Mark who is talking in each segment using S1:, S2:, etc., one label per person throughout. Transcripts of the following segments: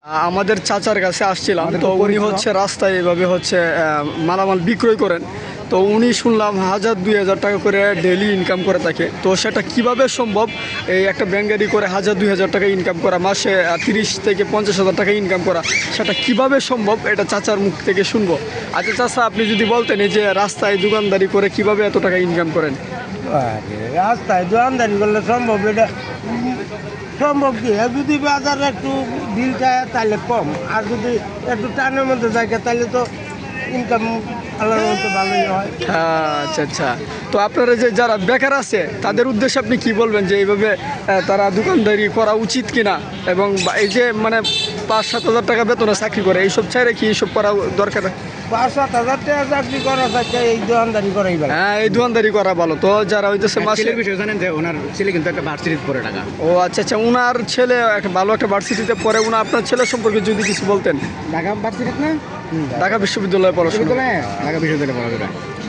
S1: আমাদের চাচার কাছে আসছিলাম, তো উনি হচ্ছে রাস্তায় এভাবে হচ্ছে মালামাল বিক্রয় করেন। তো উনি শুনলাম 1000-2000 টাকা করে ডেলি ইনকাম করে থাকে। তো সেটা কিভাবে সম্ভব, এই একটা ব্যান গাড়ি করে 1000-2000 টাকা ইনকাম করা, মাসে 30,000-50,000 টাকা ইনকাম করা, সেটা কিভাবে সম্ভব এটা চাচার মুখ থেকে শুনবো। আচ্ছা চাচা, আপনি যদি বলতেন এই যে রাস্তায় দোকানদারি করে কিভাবে এত টাকা ইনকাম করেন।
S2: রাস্তায় দোকানদারি করলে সম্ভব, এটা সম্ভব কি? যদি বাজারে একটু বিল চায় তাহলে কম, আর যদি একটু টানের মধ্যে থাকে তাহলে তো ইনকাম আল্লাহর মতো ভালোই হয়।
S1: আচ্ছা আচ্ছা, তো আপনারা যে যারা বেকার আছে তাদের উদ্দেশ্যে আপনি কি বলবেন যে এইভাবে তারা দোকানদারি করা উচিত কিনা, এবং এই যে মানে 5-7 হাজার টাকা বেতনে চাকরি করে এইসব চাইলে কি এইসব করা দরকার?
S2: 5-7 হাজার টাকা চাকরি করা থাকে, এই দোকানদারি করাই ভালো।
S1: হ্যাঁ, এই দোকানদারি করা ভালো। তো যারা হইতেছে মাসে
S3: ছেলের বিষয় জানেন যে ওনার ছেলে কিন্তু একটা ভার্সিটিতে পড়ে টাকা।
S1: ও আচ্ছা আচ্ছা, উনার ছেলে একটা ভালো একটা ভার্সিটিতে পড়ে। আপনার ছেলে সম্পর্কে যদি কিছু বলতেন।
S3: ঢাকা ভার্সিটিতে না,
S1: ঢাকা বিশ্ববিদ্যালয়ে পড়াশোনা।
S3: ঢাকা বিশ্ববিদ্যালয়ে পড়াশোনা।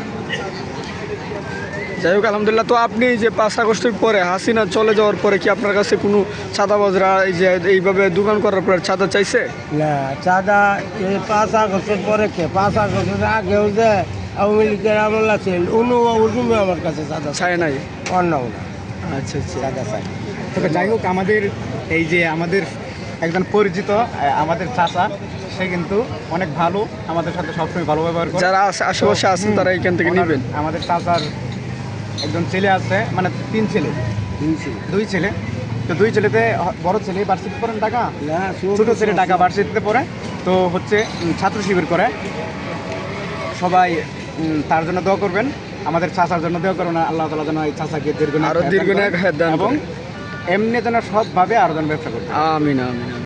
S1: যাই হোক, আলহামদুলিল্লাহ। তো আপনি যে 5 আগস্টের পরে হাসিনা চলে যাওয়ার পরে কি আপনার কাছে কোনো চাঁদাবাজরা এই যে এইভাবে দোকান করার পরে চাঁদা চাইছে?
S2: না, চাঁদা এই 5 আগস্টের পরে কে? 5 আগস্টের আগেও যে আওয়ামী লীগের আমল আছে, উনুমে আমার কাছে চাঁদা
S1: চায় নাই?
S2: অন্য না,
S1: আচ্ছা আচ্ছা।
S2: চাঁদা চাই।
S3: তবে যাই হোক, আমাদের এই যে আমাদের একজন পরিচিত আমাদের চাচা, সে কিন্তু অনেক ভালো, আমাদের সাথে সবসময় ভালো ব্যবহার করে।
S1: যারা আশেপাশে আছেন তারা এখান থেকে নেবেন।
S3: আমাদের চাচার একজন ছেলে আছে, মানে 3 ছেলে, 2 ছেলে। তো 2 ছেলেতে বড় ছেলে ভার্সিটি পড়েন ঢাকা, ছোট ছেলে ঢাকা ভার্সিটিতে পড়ে। তো হচ্ছে ছাত্র শিবির করে। সবাই তার জন্য দোয়া করবেন, আমাদের চাচার জন্য দোয়া করবেন। আল্লাহ তাআলা যেন এই চাচাকে
S1: আরো দীর্ঘ নেক হায়াত দান
S3: এবং
S1: করেন।
S3: এমনি যেন সবভাবে আরো যেন ব্যবসা করতে।
S1: আমিন আমিন।